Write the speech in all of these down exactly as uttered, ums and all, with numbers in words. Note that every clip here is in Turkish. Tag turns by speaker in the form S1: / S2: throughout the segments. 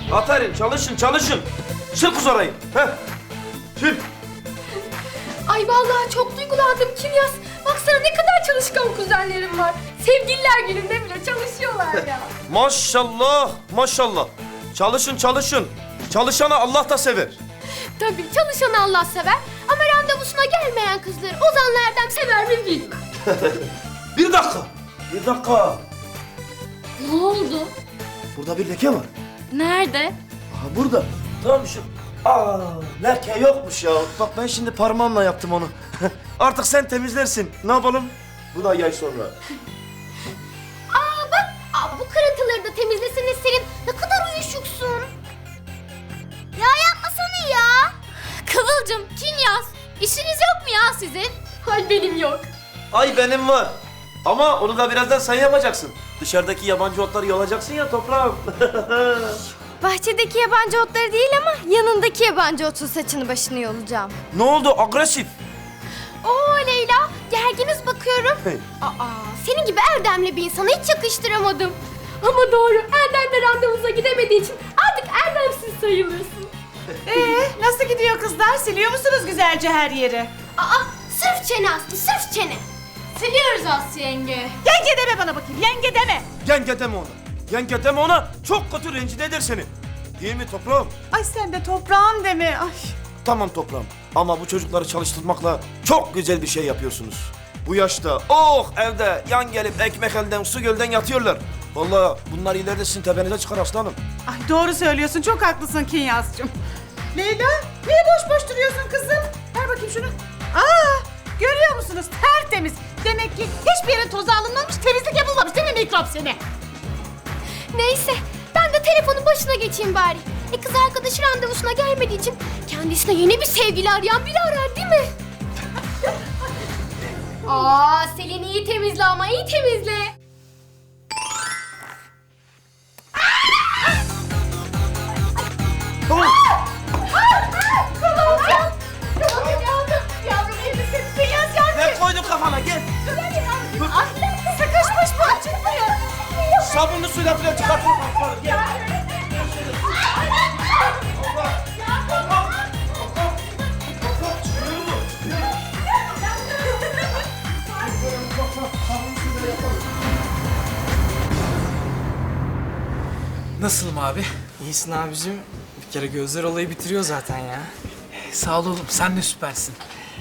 S1: Aferin, çalışın, çalışın. Sil kız orayı. Heh. Sil.
S2: Ay vallahi çok duygulandım Kinyas. Baksana ne kadar çalışkan kuzenlerim var. Sevgililer gününde bile çalışıyorlar ya.
S1: Maşallah, maşallah. Çalışın, çalışın. Çalışanı Allah da sever.
S2: Tabii çalışanı Allah sever ama randevusuna gelmeyen kızları Ozan'la Erdem sever mi bilmem.
S1: Bir dakika, bir dakika.
S2: Ne oldu?
S1: Burada bir leke var.
S2: Nerede?
S1: Aha burada. Tamam şu. Aa, leke yokmuş ya. Bak ben şimdi parmağımla yaptım onu. Artık sen temizlersin. Ne yapalım? Bu da yay sonra.
S2: Aa bak, aa, bu kırıntıları da temizlesene Selin. Ne kadar uyuşuksun. Ya yapmasana ya. Kıvılcım, Kinyas, işiniz yok mu ya sizin? Hay benim yok.
S1: Ay benim var. Ama onu da birazdan sen yapacaksın. Dışarıdaki yabancı otları yolacaksın ya toprağım.
S2: Bahçedeki yabancı otları değil ama yanındaki yabancı otun saçını başını yolacağım.
S1: Ne oldu? Agresif.
S2: Oo Leyla, gerginiz bakıyorum.
S1: Hey.
S2: Aa, senin gibi erdemli bir insana hiç yakıştıramadım. Ama doğru, Erdem de randevuza gidemediği için artık erdemsiz sayılırsın.
S3: Ee, nasıl gidiyor kızlar? Siliyor musunuz güzelce her yeri?
S2: Aa, sırf çene Aslı, sırf çene. Siliyoruz Aslı yenge.
S3: Yenge deme bana bakayım, yenge deme.
S1: Yenge deme ona. Yenge deme ona. Çok kötü rencide eder seni. Değil mi toprağım?
S3: Ay sen de toprağım deme. Ay.
S1: Tamam toprağım. Ama bu çocukları çalıştırmakla çok güzel bir şey yapıyorsunuz. Bu yaşta oh evde yan gelip ekmek elden su gölden yatıyorlar. Vallahi bunlar ileride sizin tepenize çıkar aslanım.
S3: Ay doğru söylüyorsun, çok haklısın Kinyas'cığım. Leyla, niye boş boş duruyorsun kızım? Ver bakayım şunu. Aa, görüyor musunuz? Tertemiz. Demek ki hiçbir yerin tozu alınmamış, temizlik yapılmamış değil mi mikrop seni?
S2: Neyse, ben de telefonun başına geçeyim bari. E kız arkadaşı randevusuna gelmediği için kendisine yeni bir sevgili arayan biri arar değil mi? Aa, Selin iyi temizle ama iyi temizle.
S1: Tamam.
S3: Kıvılcım! Kıvılcım yavrum, yavrum elbisenin Kinyas yardım.
S1: Ne koydun kafana gel.
S3: Ay, sıkışmış bu, çıkmıyor.
S1: Sabunlu suyla falan çıkartın. Gel.
S4: Nasılım abi?
S5: İyisin abicim. Bir kere gözler olayı bitiriyor zaten ya.
S4: Sağ ol oğlum, sen de süpersin.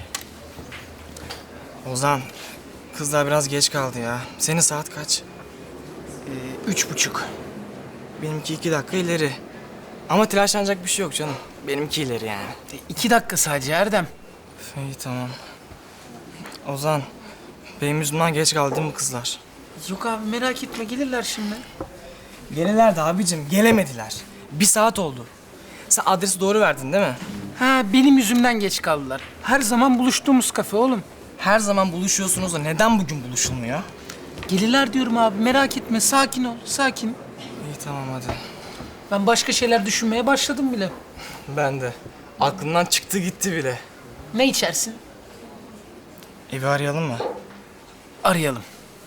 S5: Ozan, kızlar biraz geç kaldı ya. Senin saat kaç?
S4: Ee, üç buçuk.
S5: Benimki iki dakika ileri. Ama telaşlanacak bir şey yok canım. Benimki ileri yani.
S4: E, iki dakika sadece Erdem.
S5: Üf, İyi tamam. Ozan, benim yüzümden geç kaldı değil mi kızlar?
S4: Yok abi merak etme, gelirler şimdi.
S5: Gelirlerdi abicim, gelemediler. Bir saat oldu. Sen adresi doğru verdin değil mi?
S4: Ha, benim yüzümden geç kaldılar. Her zaman buluştuğumuz kafe oğlum.
S5: Her zaman buluşuyorsunuz da neden bugün buluşulmuyor?
S4: Gelirler diyorum abi, merak etme, sakin ol, sakin.
S5: İyi tamam hadi.
S4: Ben başka şeyler düşünmeye başladım bile.
S5: Ben de. Aklımdan çıktı gitti bile.
S4: Ne içersin?
S5: Evi arayalım mı?
S4: Arayalım.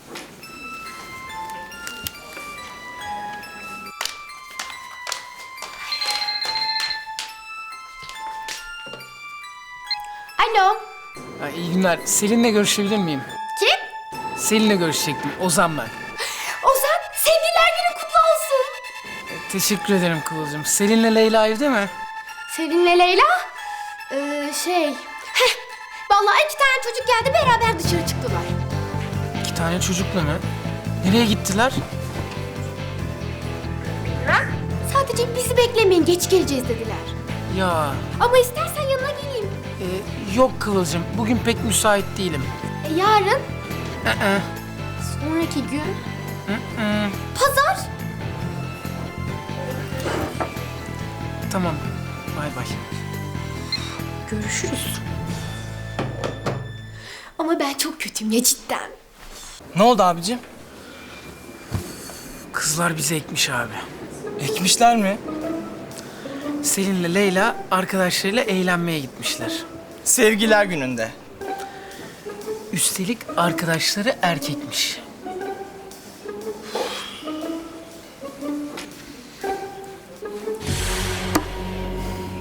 S2: Alo.
S4: Ha, iyi günler. Selin'le görüşebilir miyim?
S2: Kim?
S4: Selin'le görüşecektim. Ozan ben.
S2: Ozan, sevgililer günün kutlu olsun.
S4: Teşekkür ederim Kıvılcım. Selin'le Leyla evde mi?
S2: Selin'le Leyla? Ee, şey... Heh, vallahi iki tane çocuk geldi beraber dışarı çıktılar.
S4: İki tane çocukla mı? Nereye gittiler?
S2: Sadece bizi beklemeyin, geç geleceğiz dediler.
S4: Ya
S2: Ama istersen yanına geleyim.
S4: e, yok Kıvılcım. Bugün pek müsait değilim.
S2: E, yarın,
S4: Ee,
S2: sonraki gün, pazar.
S4: tamam. Bay bay.
S2: Görüşürüz. Ama ben çok kötüyüm ya cidden.
S5: Ne oldu abicim?
S4: Kızlar bizi ekmiş abi.
S5: Ekmişler mi?
S4: Selin'le Leyla arkadaşlarıyla eğlenmeye gitmişler.
S5: Sevgiler gününde.
S4: Üstelik arkadaşları erkekmiş.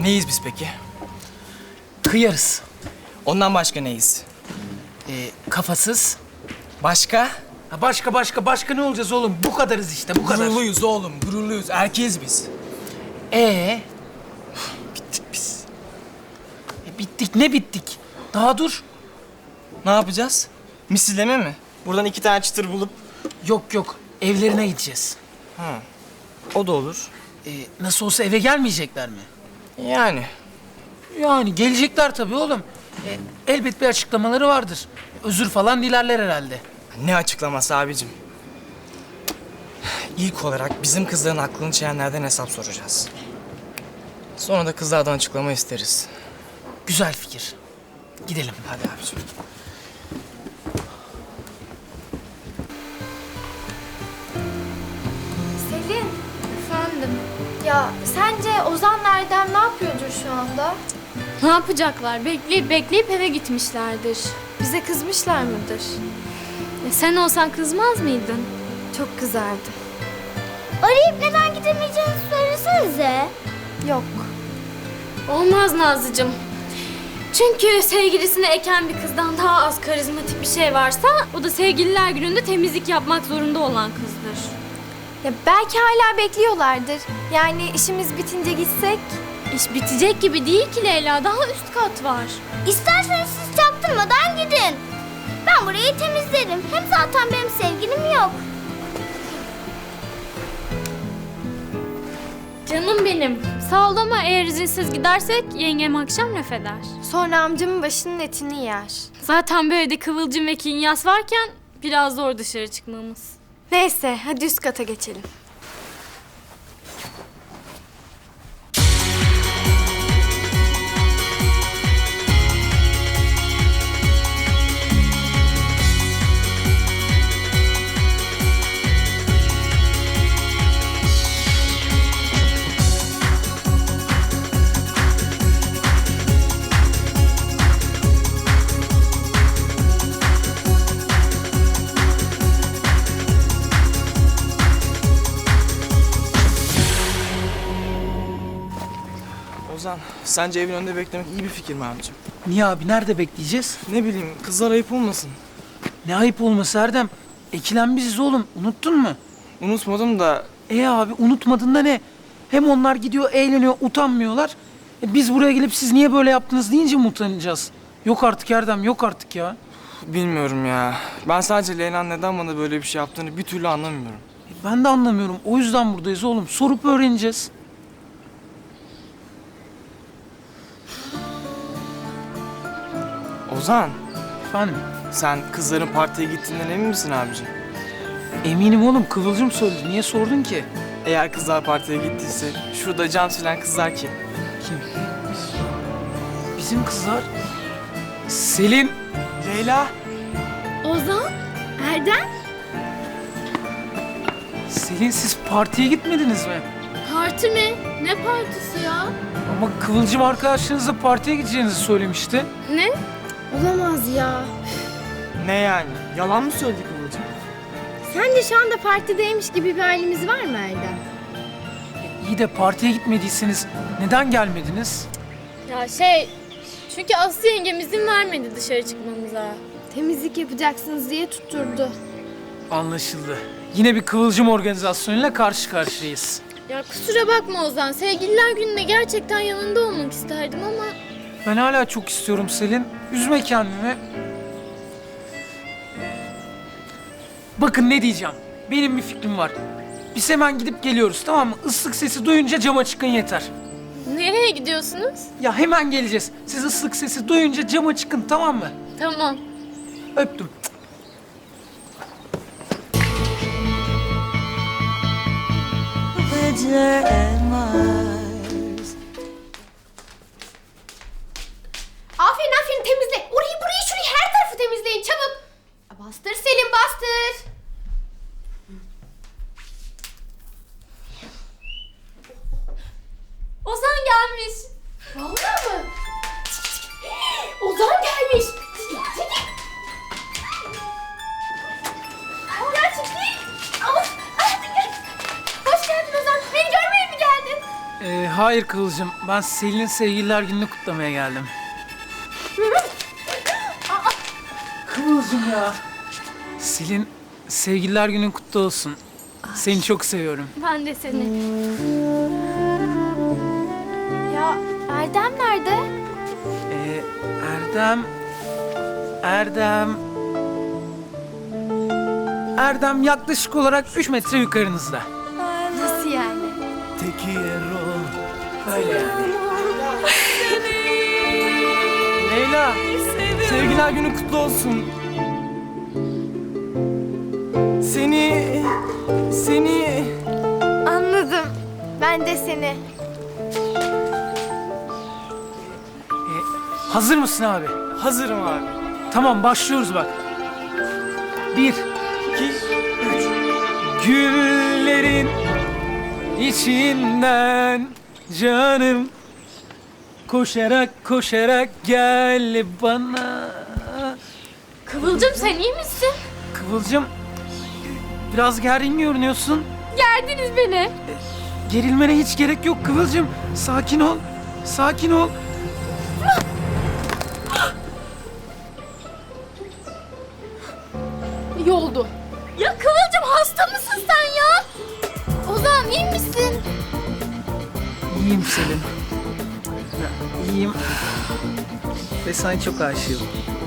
S5: Neyiz biz peki?
S4: Kıyarız.
S5: Ondan başka neyiz?
S4: Ee, kafasız.
S5: Başka?
S4: Ha başka başka başka ne olacağız oğlum? Bu kadarız işte bu kadar.
S5: Gururluyuz oğlum, gururluyuz. Erkeğiz biz.
S4: Ee,
S5: Bittik biz.
S4: e, bittik ne bittik? Daha dur.
S5: Ne yapacağız? Misilleme mi? Buradan iki tane çıtır bulup...
S4: Yok yok evlerine gideceğiz.
S5: Ha. O da olur.
S4: Ee, nasıl olsa eve gelmeyecekler mi?
S5: Yani.
S4: Yani gelecekler tabii oğlum. E, elbet bir açıklamaları vardır. Özür falan dilerler herhalde.
S5: Ne açıklaması abicim? İlk olarak bizim kızların aklını çelenlerden hesap soracağız. Sonra da kızlardan açıklama isteriz.
S4: Güzel fikir. Gidelim.
S5: Hadi abicim.
S2: Selin. Efendim. Ya sence Ozan Erdem ne yapıyordur şu anda?
S6: Ne yapacaklar? Bekleyip bekleyip eve gitmişlerdir.
S2: Bize kızmışlar mıdır?
S6: E sen olsan kızmaz mıydın?
S2: Çok kızardı.
S7: Arayıp neden gidemeyeceğini söylesenize.
S2: Yok.
S6: Olmaz Nazlıcığım. Çünkü sevgilisine eken bir kızdan daha az karizmatik bir şey varsa o da sevgililer gününde temizlik yapmak zorunda olan kızdır.
S2: Ya belki hala bekliyorlardır. Yani işimiz bitince gitsek.
S6: İş bitecek gibi değil ki Leyla. Daha üst kat var.
S7: İsterseniz siz çaktırmadan gidin. Ben burayı temizlerim. Hem zaten benim sevgilim yok.
S6: Canım benim. Sağ ol ama eğer izinsiz gidersek yengem akşam laf eder.
S2: Sonra amcamın başının etini yer.
S6: Zaten böyle de Kıvılcım ve Kinyas varken biraz zor dışarı çıkmamız.
S2: Neyse hadi üst kata geçelim.
S5: Ozan, sence evin önünde beklemek iyi bir fikir mi abicim?
S4: Niye abi? Nerede bekleyeceğiz?
S5: Ne bileyim, kızlar ayıp olmasın.
S4: Ne ayıp olması Erdem. Ekilen biziz oğlum. Unuttun mu?
S5: Unutmadım da
S4: E abi unutmadın da ne? Hem onlar gidiyor eğleniyor utanmıyorlar. E, biz buraya gelip siz niye böyle yaptınız deyince mi utanacağız? Yok artık Erdem yok artık ya.
S5: bilmiyorum ya. Ben sadece Leyla'nın neden bana böyle bir şey yaptığını bir türlü anlamıyorum.
S4: E, ben de anlamıyorum. O yüzden buradayız oğlum. Sorup öğreneceğiz.
S5: Ozan,
S4: Efendim?
S5: sen kızların partiye gittiğinden emin misin abicim?
S4: Eminim oğlum. Kıvılcım söyledi. Niye sordun ki?
S5: Eğer kızlar partiye gittiyse, şurada cam silen kızlar kim?
S4: Kim? Bizim kızlar. Selin.
S5: Leyla.
S6: Ozan? Erdem?
S4: Selin siz partiye gitmediniz mi?
S6: Parti mi? Ne partisi ya?
S4: Ama Kıvılcım arkadaşlarınızla partiye gideceğinizi söylemişti.
S6: Ne?
S2: Olamaz ya.
S5: Ne yani? Yalan mı söyledi Kıvılcım?
S2: Sence şu anda partideymiş gibi bir halimiz var mı Erdem?
S4: İyi de partiye gitmediyseniz neden gelmediniz?
S6: Ya şey... Çünkü Aslı yengem izin vermedi dışarı çıkmamıza.
S2: Temizlik yapacaksınız diye tutturdu.
S4: Anlaşıldı. Yine bir Kıvılcım organizasyonuyla karşı karşıyayız.
S6: Ya kusura bakma Ozan. Sevgililer gününde gerçekten yanında olmak isterdim ama...
S4: Ben hala çok istiyorum Selin. Üzme kendini. Bakın ne diyeceğim. Benim bir fikrim var. Biz hemen gidip geliyoruz tamam mı? Islık sesi duyunca cama çıkın yeter.
S6: Nereye gidiyorsunuz?
S4: Ya hemen geleceğiz. Siz ıslık sesi duyunca cama çıkın tamam mı?
S6: Tamam.
S4: Öptüm.
S2: Aferin aferin temizle. Orayı burayı şurayı her tarafı temizleyin çabuk. Bastır Selim bastır.
S6: Ozan gelmiş.
S2: Vallahi mı? Ozan gelmiş. Gerçekten. Hoş geldin Ozan. Beni görmeye mi geldin?
S4: hayır Kıvılcım. Ben Selin'in sevgililer gününü kutlamaya geldim. Kıvılcım ya. Selin, sevgililer günün kutlu olsun. Seni çok seviyorum.
S6: Ben de seni.
S2: Ya Erdem nerede?
S4: Ee, Erdem... Erdem... Erdem yaklaşık olarak üç metre yukarınızda.
S2: Nasıl yani?
S4: Öyle yani. Leyla, sevgililer günün kutlu olsun. Seni... Seni...
S2: Anladım. Ben de seni.
S4: Hazır mısın abi?
S5: Hazırım abi.
S4: Tamam, başlıyoruz bak. Bir, iki, üç. Güllerin içinden canım koşarak koşarak gel bana.
S6: Kıvılcım sen iyi misin?
S4: Kıvılcım, biraz gergin görünüyorsun.
S6: Gerdiniz beni.
S4: Gerilmene hiç gerek yok Kıvılcım. Sakin ol, sakin ol.
S6: İyi oldu. Ya Kıvılcım hasta mısın sen ya? Ozan iyi misin?
S4: İyiyim Selin. Ya, İyiyim. Ve sana çok aşığım.